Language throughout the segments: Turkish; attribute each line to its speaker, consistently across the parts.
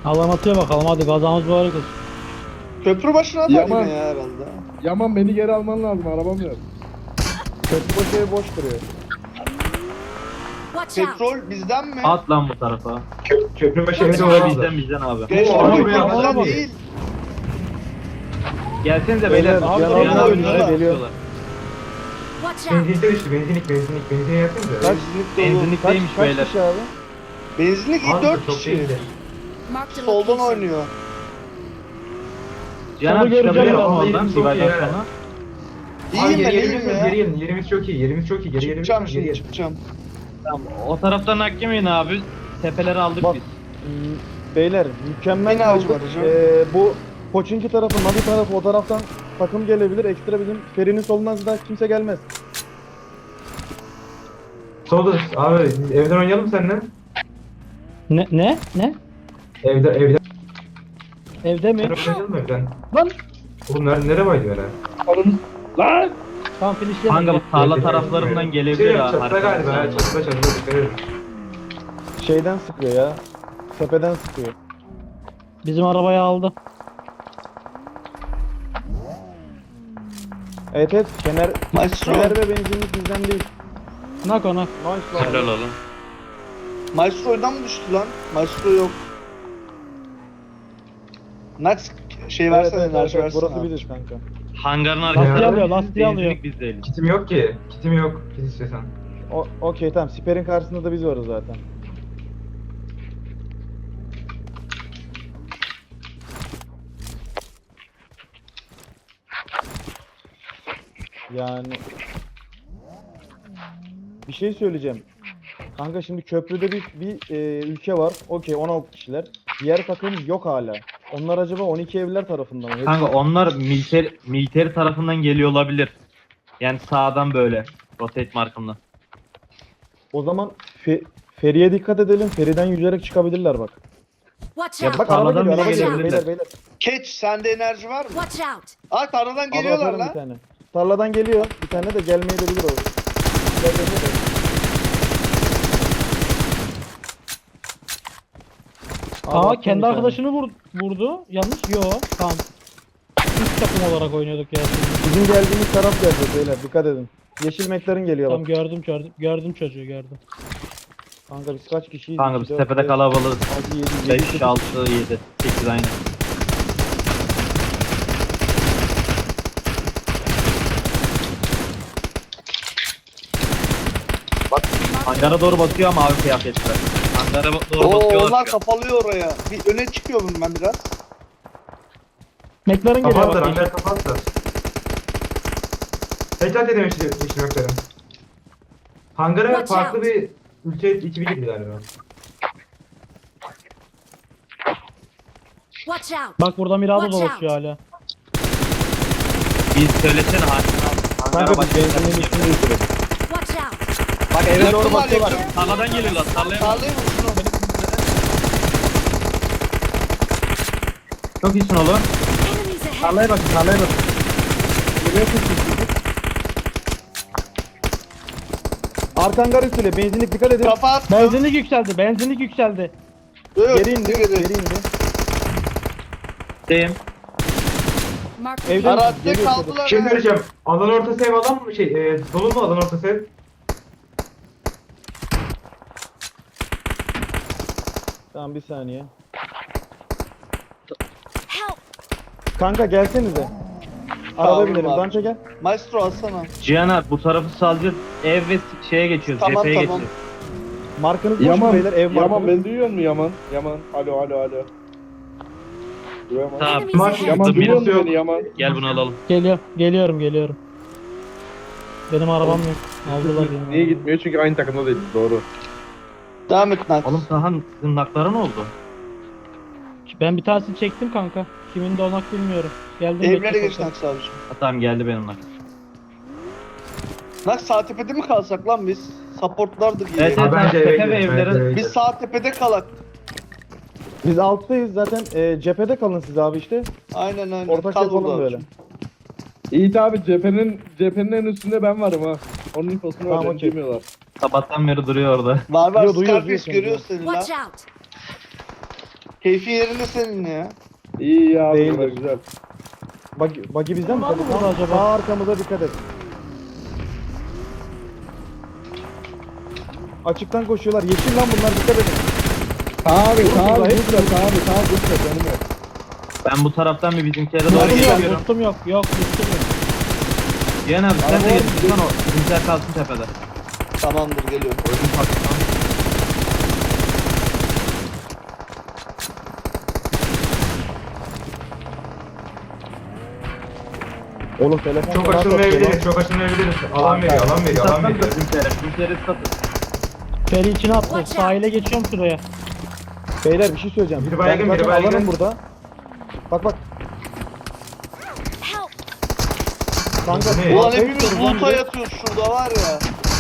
Speaker 1: Alan atıyor bakalım, hadi gazamız mübarek olsun.
Speaker 2: Köprü başına atar
Speaker 3: Yaman.
Speaker 2: yine ya herhalde.
Speaker 3: Yaman beni geri alman lazım, arabam yok.
Speaker 4: Köprü boş ev boş duruyor.
Speaker 5: Watch out!
Speaker 2: Petrol bizden mi?
Speaker 6: At lan bu tarafa.
Speaker 7: Köprübaşı evde
Speaker 5: Bizden,
Speaker 6: Bizden
Speaker 7: olamaz.
Speaker 6: bizden abi.
Speaker 2: Gençler
Speaker 7: Oo,
Speaker 2: köprü
Speaker 7: arabaya
Speaker 2: bizden
Speaker 7: bak.
Speaker 2: değil.
Speaker 6: Gelsenize
Speaker 4: Beyler,
Speaker 6: beyler.
Speaker 4: abi,
Speaker 6: Cihan
Speaker 2: yanına
Speaker 6: abi
Speaker 2: oynuyorlar.
Speaker 6: önüne
Speaker 4: Geliyor.
Speaker 6: tutuyorlar.
Speaker 5: Watch out!
Speaker 7: Benzinlikte düştü, benzine yapsınıza.
Speaker 4: Kaç?
Speaker 2: Benzinlik dolu.
Speaker 6: Benzinlikteymiş
Speaker 4: Kaç
Speaker 6: beyler.
Speaker 4: kişi abi?
Speaker 2: Benzinlik
Speaker 7: Az da
Speaker 2: 4
Speaker 7: çok
Speaker 2: kişi.
Speaker 7: değildi.
Speaker 5: Marked a
Speaker 2: Soldan
Speaker 5: location.
Speaker 2: oynuyor.
Speaker 6: Cihan
Speaker 1: Solu
Speaker 6: abi
Speaker 1: göreceğim
Speaker 6: çıkabilir
Speaker 1: ya,
Speaker 6: mi
Speaker 7: vallahi
Speaker 6: oradan?
Speaker 7: çok
Speaker 6: Sivas'tan
Speaker 7: iyi ya.
Speaker 6: sonra.
Speaker 2: İyiyim ben, iyiyim
Speaker 7: Geri
Speaker 2: ya.
Speaker 7: gelin, yerimiz çok iyi, yerimiz çok iyi. Geri
Speaker 2: Çıkacağım
Speaker 7: geri
Speaker 2: şimdi,
Speaker 7: geri.
Speaker 2: çıkacağım.
Speaker 6: Tamam, o taraftan hak yemeyin abi. Tepeleri aldık
Speaker 4: Bak.
Speaker 6: biz.
Speaker 4: Beyler mükemmel
Speaker 2: Yine avcı
Speaker 4: aldık.
Speaker 2: var hocam.
Speaker 4: Bu Koçinki tarafı, Navi tarafı, o taraftan takım gelebilir. Ekstra bizim Feri'nin solundan da kimse gelmez.
Speaker 7: Solda abi, evden oynayalım seninle.
Speaker 1: Ne?
Speaker 7: Evde
Speaker 1: Evde mi?
Speaker 7: oynayalım evden.
Speaker 1: Lan!
Speaker 7: Oğlum nereye baydı böyle?
Speaker 3: Lan!
Speaker 1: Tamam, finishleyelim.
Speaker 6: Kanka bu tarla
Speaker 7: Evde-
Speaker 6: taraflarından
Speaker 7: Şey
Speaker 6: gelebilir ha.
Speaker 7: çatıda galiba,
Speaker 6: arkadan.
Speaker 7: çatıda dikkat edin.
Speaker 4: Şeyden sıkıyor ya. Tepeden sıkıyor.
Speaker 1: Bizim arabayı aldı.
Speaker 4: Evet, Fener
Speaker 2: Maestro.
Speaker 4: ve benzinlik bizden değil.
Speaker 1: Nak ona.
Speaker 4: Nice
Speaker 6: Helal
Speaker 4: lan.
Speaker 6: oğlum.
Speaker 2: Maestro'dan mı düştü lan? Maestro yok. Nax şey versene, enerji versene.
Speaker 4: Burası
Speaker 2: abi.
Speaker 4: biziz kanka.
Speaker 6: Hangarın
Speaker 1: Lastiği
Speaker 6: arkasında
Speaker 1: alıyor, lastiği alıyor.
Speaker 6: benzinlik biz değiliz.
Speaker 7: Kitim yok ki. Kitim yok. Kit istiyorsan.
Speaker 4: Okey tamam, siperin karşısında da biz varız zaten. Yani bir şey söyleyeceğim. Kanka şimdi köprüde bir ülke var. Okey 16 kişiler. Diğer takım yok hala. Onlar acaba 12 evliler tarafından mı?
Speaker 6: Kanka onlar militer tarafından geliyor olabilir. Yani sağdan böyle. Rotate markımdan.
Speaker 4: O zaman Feri'ye dikkat edelim. Feri'den yüzerek çıkabilirler bak.
Speaker 5: Watch
Speaker 4: Ya
Speaker 5: out!
Speaker 4: bak araba
Speaker 6: Tarladan
Speaker 4: geliyor, araba
Speaker 6: bile
Speaker 4: geliyor.
Speaker 6: gelebilirler.
Speaker 4: Beyler.
Speaker 2: Keç, sende enerji var mı?
Speaker 5: Watch out!
Speaker 2: Aa, tarladan
Speaker 4: Abi
Speaker 2: geliyorlar
Speaker 4: atarım bir
Speaker 2: lan.
Speaker 4: tane. Tarladan geliyor. Bir tane de gelmeyebilir o. Gel, gel, gel. Abi
Speaker 1: Aa,
Speaker 4: attım
Speaker 1: kendi
Speaker 4: bir tane.
Speaker 1: arkadaşını vurdu. Yanlış. Yo. Tamam. Üç takım olarak oynuyorduk ya.
Speaker 4: Bizim geldiğimiz taraf gelecek beyler. Dikkat edin. Yeşil McLaren geliyor
Speaker 1: Tamam,
Speaker 4: bak.
Speaker 1: gördüm çocuğu gördüm.
Speaker 4: Kanka biz kaç kişiyiz?
Speaker 6: Kanka biz
Speaker 4: 2, 4,
Speaker 6: tepede
Speaker 4: 5,
Speaker 6: kalabalığız.
Speaker 4: 6, 7,
Speaker 6: 5, 6, 7, 8 aynı. Bak hangara doğru bakıyor ama abi kıyafetler. Hangara doğru
Speaker 2: Oo,
Speaker 6: bakıyorlar.
Speaker 2: onlar kapalıyor oraya. Bir öne çıkıyorum ben biraz.
Speaker 1: McLaren geliyor
Speaker 7: Kapattır,
Speaker 1: bak.
Speaker 7: ancak kapattır. Tekrar değiştirmeklerim. Hangara
Speaker 5: Watch
Speaker 7: farklı
Speaker 5: out.
Speaker 7: bir ülke ekibi gibi galiba.
Speaker 5: Watch out!
Speaker 1: Bak burada Mirado
Speaker 5: Watch
Speaker 1: dolaşıyor hala.
Speaker 6: Biz söylesene hangara
Speaker 4: Kanka biz
Speaker 6: başka
Speaker 4: benzinin üstünde yürüyoruz.
Speaker 5: Watch out!
Speaker 4: Bak eve doğru
Speaker 2: Yakın var,
Speaker 4: bakıyorlar.
Speaker 2: yakın.
Speaker 6: Tarladan geliyorlar tarlaya.
Speaker 2: Tarlayı vursun onu.
Speaker 6: Çok iyisin oğlum.
Speaker 5: Enemies ahead!
Speaker 4: Tarlaya bakın, tarlaya bakın. Arkan gar üstüne, benzinlik dikkat edin.
Speaker 2: Kafa attı.
Speaker 1: Benzinlik yükseldi.
Speaker 2: Yok,
Speaker 4: Geri indi, geri indi.
Speaker 6: Deyim.
Speaker 5: Marked a
Speaker 4: Evden
Speaker 2: Araçta
Speaker 4: geliyor
Speaker 2: kaldılar.
Speaker 7: Şey
Speaker 2: ha.
Speaker 7: söyleyeceğim. Alan ortası ev alan mı? Dolu mu alan ortası ev?
Speaker 4: Tamam bir saniye.
Speaker 5: help!
Speaker 4: Kanka gelsenize. Araba
Speaker 2: Tamam
Speaker 4: binelim,
Speaker 2: abi.
Speaker 4: Dança gel.
Speaker 2: Maestro alsana.
Speaker 6: Cihan abi bu tarafı salacağız. Ev ve şeye geçiyoruz.
Speaker 2: Tamam,
Speaker 6: cepheye
Speaker 2: tamam.
Speaker 6: geçiyoruz.
Speaker 4: Markanız boş mu
Speaker 3: Yaman,
Speaker 4: beyler? Ev
Speaker 3: Yaman
Speaker 4: markanız.
Speaker 3: beni duyuyor musun Yaman? Yaman, alo. Yaman.
Speaker 6: Tamam.
Speaker 5: Enemies
Speaker 7: Mark,
Speaker 5: ahead!
Speaker 3: Yaman
Speaker 6: Dur,
Speaker 3: duyuyor
Speaker 6: birisi
Speaker 3: musun
Speaker 6: yok.
Speaker 3: beni Yaman?
Speaker 6: Gel bunu alalım.
Speaker 1: Geliyorum. Benim arabam yok. Aldılar benim.
Speaker 3: Niye gitmiyor? Çünkü aynı takımda değil. Doğru.
Speaker 2: Devam et Nax.
Speaker 6: Oğlum Tahan tırnakları ne oldu?
Speaker 1: Ben bir tanesini çektim kanka. Kimin de onak bilmiyorum. Geldim.
Speaker 2: Evlere
Speaker 1: bekle
Speaker 2: geç
Speaker 1: kanka.
Speaker 2: Nax abiciğim.
Speaker 6: Ha, tamam geldi benim nak.
Speaker 2: Nax sağ tepede mi kalsak lan biz? Supportlardık iyi.
Speaker 6: Evet,
Speaker 7: Ha,
Speaker 6: evet.
Speaker 7: bence eve
Speaker 6: tepe ve
Speaker 7: gidelim,
Speaker 6: evlere-
Speaker 7: bence eve
Speaker 2: Biz
Speaker 7: gidelim.
Speaker 2: sağ tepede kalak.
Speaker 4: Biz alttayız zaten. Cephede kalın siz abi işte.
Speaker 2: Aynen.
Speaker 4: Ortak
Speaker 2: Kal
Speaker 4: yapalım
Speaker 2: burada
Speaker 4: böyle.
Speaker 2: abiciğim.
Speaker 3: Yiğit abi cephenin en üstünde ben varım ha. Onun infosunu
Speaker 4: Tamam,
Speaker 3: var,
Speaker 4: okey.
Speaker 6: Sabahtan beri duruyor orada.
Speaker 2: Var
Speaker 4: Yo, duyuyoruz,
Speaker 2: Scarface
Speaker 4: duyuyoruz
Speaker 2: görüyor seni la.
Speaker 5: Watch out!
Speaker 2: Keyfi yerinde senin ya.
Speaker 3: İyi ya abi
Speaker 4: Değildir.
Speaker 3: bura güzel.
Speaker 4: Buggy bizden mi?
Speaker 1: Var mı
Speaker 4: Tabii,
Speaker 1: burada
Speaker 4: tamam.
Speaker 1: acaba?
Speaker 4: Sağ arkamıza dikkat et. Açıktan koşuyorlar. Yeşil lan bunlar, dikkat edin.
Speaker 3: Abi sağ
Speaker 4: Burada,
Speaker 3: abi
Speaker 4: hepsi
Speaker 3: lütfen abi sağ lütfen canım yok.
Speaker 6: Ben bu taraftan bir bizimkilere doğru
Speaker 1: Boostum yok,
Speaker 6: geçiyorum.
Speaker 1: boostum yok. Yok, boostum yok.
Speaker 6: Cihan abi sen
Speaker 3: Araba
Speaker 6: de
Speaker 3: var,
Speaker 6: geçsin o. Bizimkiler kalsın tepede.
Speaker 2: Tamamdır geliyorum.
Speaker 6: Oyun patlatalım.
Speaker 4: Oğlum telefon
Speaker 7: Çok
Speaker 4: falan satıyor lan.
Speaker 7: açılmayabiliriz. Çok açılmayabiliriz. Alan veriyor. Alan veriyor. Alan
Speaker 6: Sattan da
Speaker 7: veriyor.
Speaker 6: bizimkilere satın.
Speaker 1: Feri içine attı.
Speaker 5: Watch out.
Speaker 1: Sahile geçiyorum şuraya.
Speaker 4: Beyler bir şey söyleyeceğim.
Speaker 7: Biri baygın,
Speaker 4: Ben
Speaker 7: biri
Speaker 4: zaten
Speaker 7: baygın.
Speaker 4: alanım burada. Bak.
Speaker 5: Help!
Speaker 4: Kanka.
Speaker 7: Ne?
Speaker 2: Ulan
Speaker 4: arkaya
Speaker 2: hepimiz
Speaker 4: gidiyoruz lan
Speaker 2: loot'a
Speaker 4: direkt.
Speaker 2: yatıyoruz şurada var ya.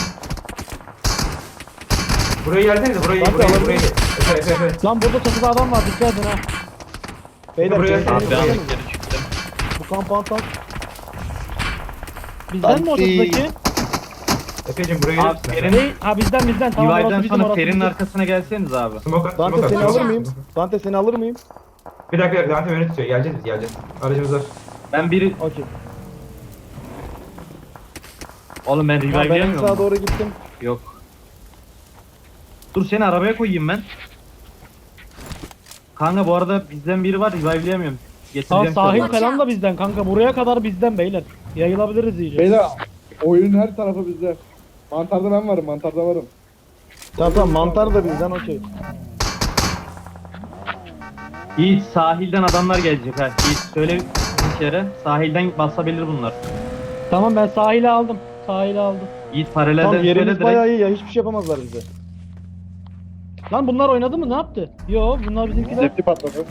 Speaker 7: Buraya gelsenize. Buraya
Speaker 4: Bak,
Speaker 7: buraya
Speaker 4: alalım.
Speaker 7: buraya. Efe.
Speaker 1: Lan burada çatıda adam var. Dikkat edin ha.
Speaker 4: Beyler
Speaker 7: Buraya
Speaker 4: beyler,
Speaker 7: gel.
Speaker 6: Abi
Speaker 4: beyler,
Speaker 6: anlık geri çıktım.
Speaker 4: bu kampanttan
Speaker 1: Bizden mi o
Speaker 2: Anti.
Speaker 1: çatıdaki?
Speaker 7: Efe'cim buraya
Speaker 6: Abi
Speaker 7: gelir misin?
Speaker 6: Ferin,
Speaker 1: Değil. Ha bizden. Tamam orası
Speaker 6: Divay'dan
Speaker 1: bizim,
Speaker 6: sonra
Speaker 1: orası
Speaker 6: Ferin'in
Speaker 1: bizim.
Speaker 6: arkasına gelseniz abi.
Speaker 7: Smoke at.
Speaker 4: Dante
Speaker 7: Smoke
Speaker 4: seni
Speaker 7: at.
Speaker 4: alır mıyım? Dante seni alır mıyım?
Speaker 7: Bir dakika Dante beni tutuyor. Geleceğiz biz geleceğiz. Aracımız var.
Speaker 6: Ben biri...
Speaker 4: Okey.
Speaker 6: Oğlum ben
Speaker 4: Tamam,
Speaker 6: revive
Speaker 4: ben en
Speaker 6: yemiyorum.
Speaker 4: sağa doğru gittim.
Speaker 6: Yok. Dur seni arabaya koyayım ben. Kanka bu arada bizden biri var revive'leyemiyorum.
Speaker 1: Tamam
Speaker 6: Getireceğim
Speaker 1: sahil
Speaker 6: sana.
Speaker 1: falan da bizden kanka. Buraya kadar bizden beyler. Yayılabiliriz iyice.
Speaker 3: Beyler oyunun her tarafı bizde. Mantarda ben varım mantarda varım.
Speaker 4: Tamam mantar da bizden okey.
Speaker 6: Yiğit sahilden adamlar gelecek ha. Yiğit söyle bir kere. Sahilden basabilir bunlar.
Speaker 1: Tamam ben sahile aldım. Sahile aldım.
Speaker 6: Yiğit paralelden
Speaker 4: Tamam
Speaker 6: söyle
Speaker 4: yerimiz
Speaker 6: direkt.
Speaker 4: bayağı iyi ya, hiçbir şey yapamazlar bize.
Speaker 1: Lan bunlar oynadı mı? Ne yaptı? Yo bunlar bizimkiler.
Speaker 3: Zepti patladı.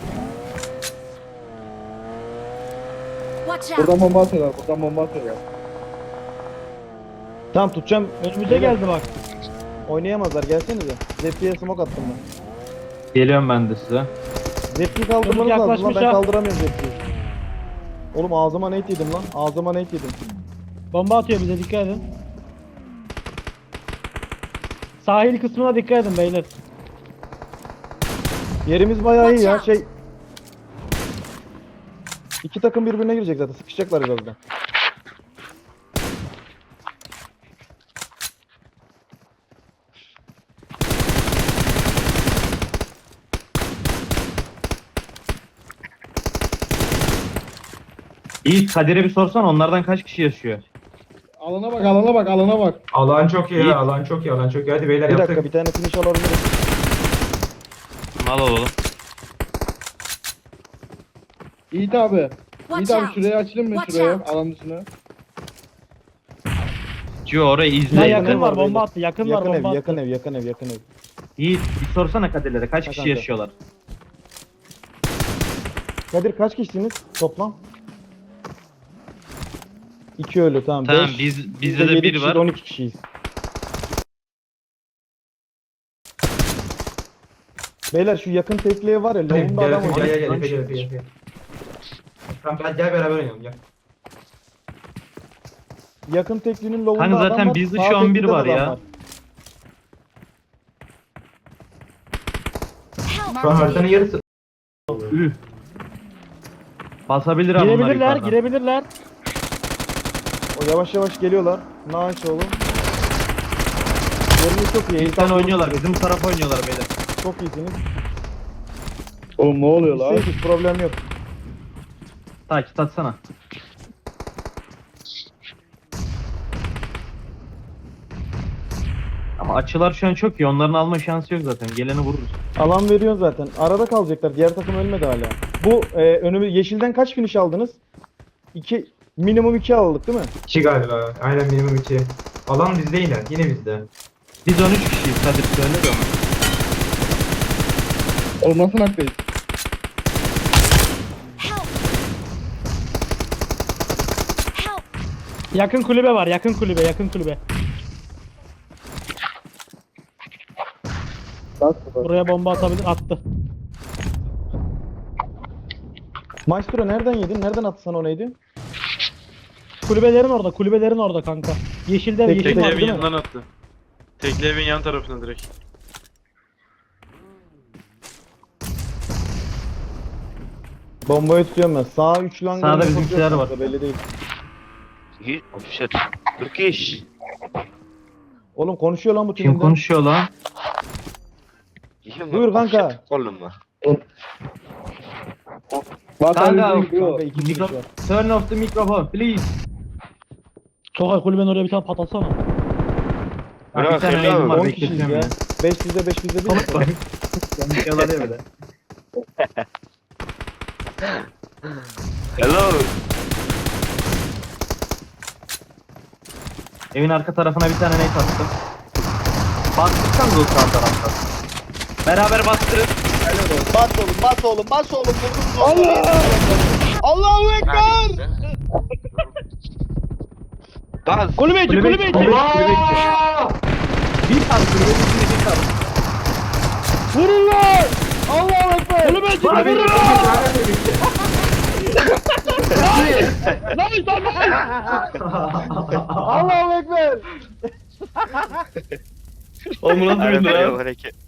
Speaker 5: Watch out!
Speaker 3: Buradan bomba atıyorlar buradan bomba atıyorlar.
Speaker 4: Tamam tutacağım.
Speaker 1: Önümüze geldi bak.
Speaker 4: Oynayamazlar, gelsenize. Zepti'ye smoke attım ben.
Speaker 6: Geliyorum ben de size.
Speaker 4: Zepti'yi kaldırmanız
Speaker 1: Çocuk
Speaker 4: lazım lan,
Speaker 1: yaklaşmış
Speaker 4: ben
Speaker 1: ha.
Speaker 4: kaldıramıyorum Zepti'yi. Oğlum ağzıma nate yedim lan, ağzıma nate yedim.
Speaker 1: Bomba atıyor bize, dikkat edin. Sahil kısmına dikkat edin beyler.
Speaker 4: Yerimiz bayağı iyi ya,
Speaker 5: Watch out.
Speaker 4: İki takım birbirine girecek zaten, sıkışacaklar birazdan.
Speaker 6: Yiğit Kadir'e bir sorsan onlardan kaç kişi yaşıyor?
Speaker 3: Alana bak alana bak alana bak.
Speaker 7: Alan çok iyi.
Speaker 6: İyi.
Speaker 7: Alan çok iyi. Alan çok iyi. Hadi beyler
Speaker 4: Bir
Speaker 7: yaptık.
Speaker 4: dakika, bir tane finish alabiliriz.
Speaker 6: Al oğlum.
Speaker 3: Yiğit abi.
Speaker 5: Watch
Speaker 3: Yiğit abi
Speaker 5: out.
Speaker 3: şurayı açayım mı
Speaker 5: Watch
Speaker 3: şuraya
Speaker 5: out.
Speaker 3: alan dışına?
Speaker 6: Cio orayı
Speaker 1: Lan
Speaker 6: izle.
Speaker 4: Yakın
Speaker 1: yakın
Speaker 4: ev
Speaker 1: var
Speaker 4: var
Speaker 1: bomba
Speaker 4: beyler.
Speaker 1: attı. Yakın var
Speaker 4: Yakın
Speaker 1: bomba
Speaker 4: ev,
Speaker 1: attı.
Speaker 4: yakın ev, yakın ev, yakın ev.
Speaker 6: Yiğit bir sorsana Kadir'lere kaç kişi
Speaker 4: kanka.
Speaker 6: yaşıyorlar?
Speaker 4: Kadir kaç kişisiniz toplam? 2 ölü, tamam.
Speaker 6: Tamam,
Speaker 4: Beş,
Speaker 6: bizde de
Speaker 4: yedi
Speaker 6: biri
Speaker 4: kişiyiz,
Speaker 6: var.
Speaker 4: 12 kişiyiz. Beyler şu yakın tekliğe var ya,
Speaker 7: Gel
Speaker 4: lobunda adam var.
Speaker 7: gel Efe gel. Tamam gel beraber oynayalım gel.
Speaker 4: Yakın tekliğinin lobunda
Speaker 6: Kanka
Speaker 4: adam
Speaker 6: zaten
Speaker 4: var.
Speaker 6: bizde
Speaker 4: sağ
Speaker 6: şu an
Speaker 4: teklikte
Speaker 6: biri
Speaker 4: de
Speaker 6: var
Speaker 4: adam
Speaker 6: ya.
Speaker 7: Şu an haritanın yarısı.
Speaker 6: Üh. Basabilir ama onlar
Speaker 1: Girebilirler,
Speaker 6: yukarıdan.
Speaker 1: girebilirler.
Speaker 4: O yavaş yavaş geliyorlar. Nice oğlum. Yeriniz çok iyi.
Speaker 6: Bizden oynuyorlar. Bizim bu tarafa oynuyorlar beyler.
Speaker 4: Çok iyisiniz.
Speaker 3: Oğlum ne oluyor lan?
Speaker 4: Biz hiç problem yok.
Speaker 6: Takip atsana. Ama açılar şu an çok iyi. Onların alma şansı yok zaten. Geleni vururuz.
Speaker 4: Alan veriyor zaten. Arada kalacaklar. Diğer takım ölmedi hala. Bu önümüz yeşilden kaç finish aldınız? 2 minimum 2 aldık değil mi?
Speaker 7: 2 galiba. Aynen minimum 2. Alan bizde yine. Yine bizde.
Speaker 6: Biz 13 kişiyiz. Kadir söyle de onu.
Speaker 3: Oğlum nasıl naktayız?
Speaker 5: Help! Help!
Speaker 1: Yakın kulübe var, yakın kulübe, yakın kulübe. Buraya bomba atabilir, attı.
Speaker 4: Maestro nereden yedin? Nereden attı sana o neydi?
Speaker 1: Kulübelerin orada kanka. Yeşilde
Speaker 4: Tek-
Speaker 1: yeşil
Speaker 4: tek
Speaker 1: var
Speaker 8: Tekli evin
Speaker 1: değil mi?
Speaker 8: yanından attı. Tekli evin yan tarafına direkt.
Speaker 4: Bombayı tutuyorum ben. Sağ 3 lan.
Speaker 6: Sağda bizimkiler var.
Speaker 4: Belli değil.
Speaker 8: Oh shit. Turkish.
Speaker 4: Oğlum konuşuyor lan bu
Speaker 6: Kim
Speaker 4: tümünden.
Speaker 6: konuşuyor lan?
Speaker 4: Buyur kanka.
Speaker 8: Oğlum mu?
Speaker 6: Kanka,
Speaker 4: Kanka iki
Speaker 6: mikro...
Speaker 4: kişi var.
Speaker 6: Turn off the microphone please.
Speaker 1: Tokay kulübenin oraya bir tane patlatsana.
Speaker 6: Bak,
Speaker 8: Bırak,
Speaker 6: bir tane
Speaker 8: helal
Speaker 6: elim var
Speaker 4: 10 kişiyiz
Speaker 6: bekletiyorum
Speaker 4: ya.
Speaker 6: ya.
Speaker 4: 5 bizde 5 bizde değil mi?
Speaker 6: Bak. Konuşuyorlar ya böyle.
Speaker 8: Hello.
Speaker 6: Evin arka tarafına bir tane nate attım. Bastırsanız o sağ taraftan. Beraber bastırın.
Speaker 2: Bas oğlum, bas oğlum, bas oğlum. Allah! Allahu Ekber!
Speaker 8: Bas.
Speaker 1: Kulübe içi kulübe içi.
Speaker 7: Allah!
Speaker 6: Bir tane kulübe içinde bir tane.
Speaker 1: Vurun lan. Allahu Ekber. Kulübe içi
Speaker 7: Bana bir
Speaker 1: vurun
Speaker 7: şey
Speaker 1: lan.
Speaker 7: lanet edildi.
Speaker 1: Lan
Speaker 4: Allahu Ekber.
Speaker 2: Oğlum nasıl bildin
Speaker 8: Arabaya
Speaker 2: lan?
Speaker 8: hareket.